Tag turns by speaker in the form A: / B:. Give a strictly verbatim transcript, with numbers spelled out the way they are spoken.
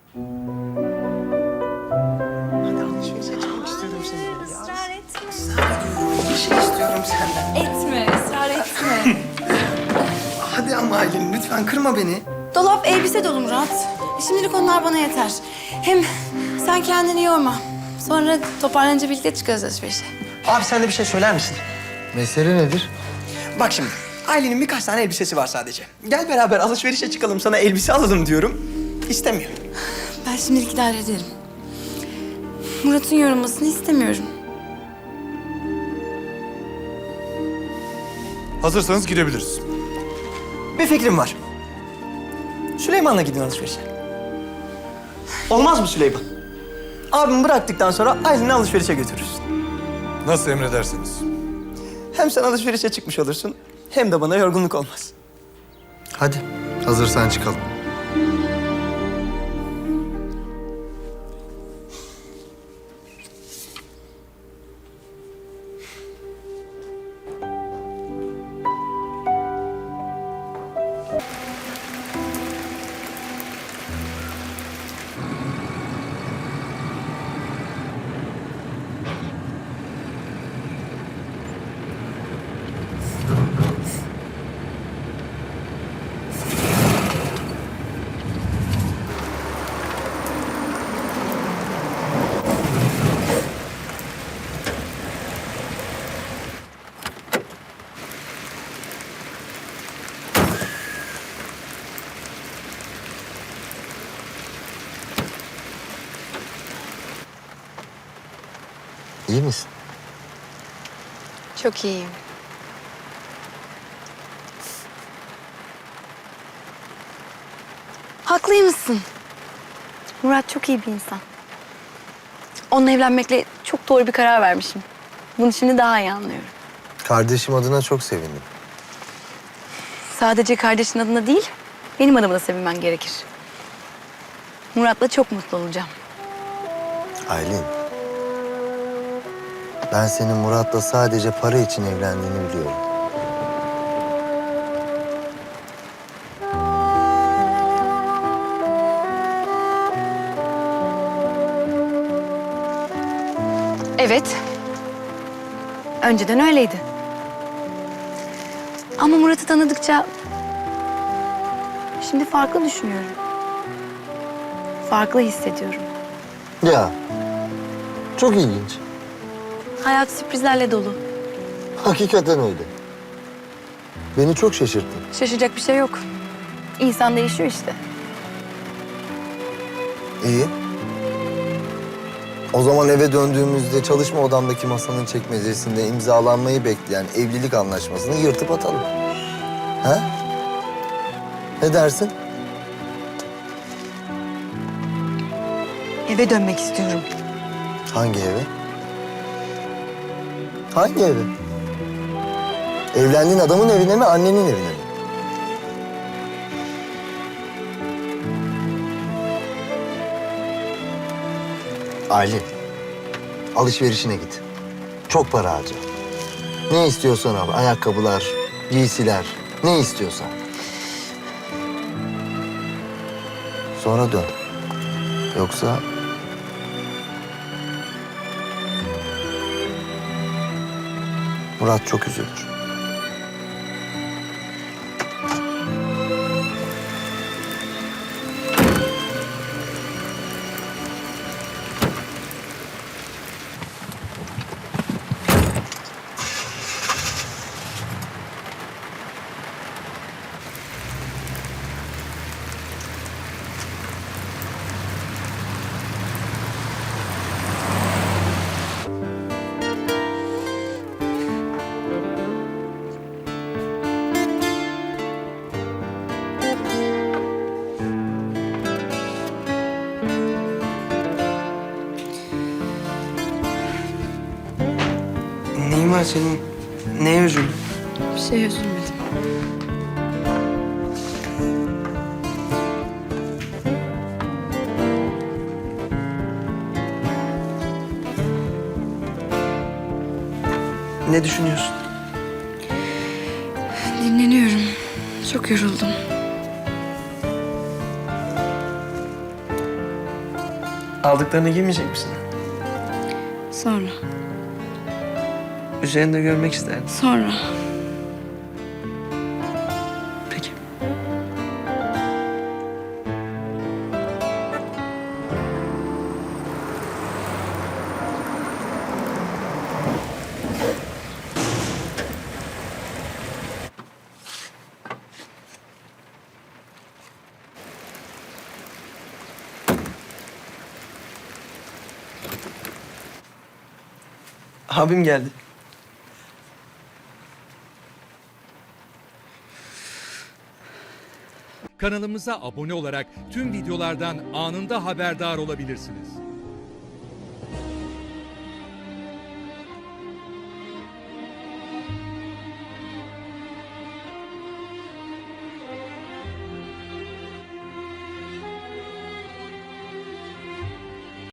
A: Hadi alışverişe çıkmak istiyorum seninle.
B: Israr etme.
A: Israr ediyorum. Bir şey istiyorum senden.
B: Etme, ısrar etme.
A: Hadi ama Aylin lütfen kırma beni.
B: Dolap elbise dolu Murat. Şimdilik onlar bana yeter. Hem sen kendini yorma. Sonra toparlanınca birlikte çıkarız alışverişe.
A: Abi sen de bir şey söyler misin?
C: Mesele nedir?
A: Bak şimdi Aylin'in birkaç tane elbisesi var sadece. Gel beraber alışverişe çıkalım sana elbise alalım diyorum. İstemiyor.
B: Ben şimdilik idare ederim. Murat'ın yorulmasını istemiyorum.
D: Hazırsanız gidebiliriz.
A: Bir fikrim var. Süleyman'la gidin alışverişe. Olmaz mı Süleyman? Abimi bıraktıktan sonra Aylin'i alışverişe götürürüz.
D: Nasıl emredersiniz.
A: Hem sen alışverişe çıkmış olursun hem de bana yorgunluk olmaz.
C: Hadi hazırsan çıkalım. İyi misin?
B: Çok iyiyim. Haklıymışsın. Murat çok iyi bir insan. Onunla evlenmekle çok doğru bir karar vermişim. Bunu şimdi daha iyi anlıyorum.
C: Kardeşim adına çok sevindim.
B: Sadece kardeşin adına değil, benim adıma da sevinmen gerekir. Murat'la çok mutlu olacağım.
C: Aylin. Ben senin Murat'la sadece para için evlendiğini biliyorum.
B: Evet. Önceden öyleydi. Ama Murat'ı tanıdıkça şimdi farklı düşünüyorum. Farklı hissediyorum.
C: Ya. Çok ilginç.
B: Hayat sürprizlerle dolu.
C: Hakikaten öyle. Beni çok şaşırttın.
B: Şaşacak bir şey yok. İnsan değişiyor işte.
C: İyi. O zaman eve döndüğümüzde çalışma odamdaki masanın çekmecesinde imzalanmayı bekleyen evlilik anlaşmasını yırtıp atalım. Ha? Ne dersin?
B: Eve dönmek istiyorum.
C: Hangi eve? Hangi eve? Evlendiğin adamın evine mi, annenin evine mi? Aylin, alışverişine git. Çok para harca. Ne istiyorsan al, ayakkabılar, giysiler, ne istiyorsan. Sonra dön. Yoksa... Murat çok üzülür.
A: Neyin var senin? Neye üzüldün?
B: Bir şey üzülmedim.
A: Ne düşünüyorsun?
B: Dinleniyorum. Çok yoruldum.
A: Aldıklarını giymeyecek misin?
B: Sonra,
A: Üzerinde görmek isterdim.
B: sonra.
A: Peki. Abim geldi.
E: Kanalımıza abone olarak tüm videolardan anında haberdar olabilirsiniz.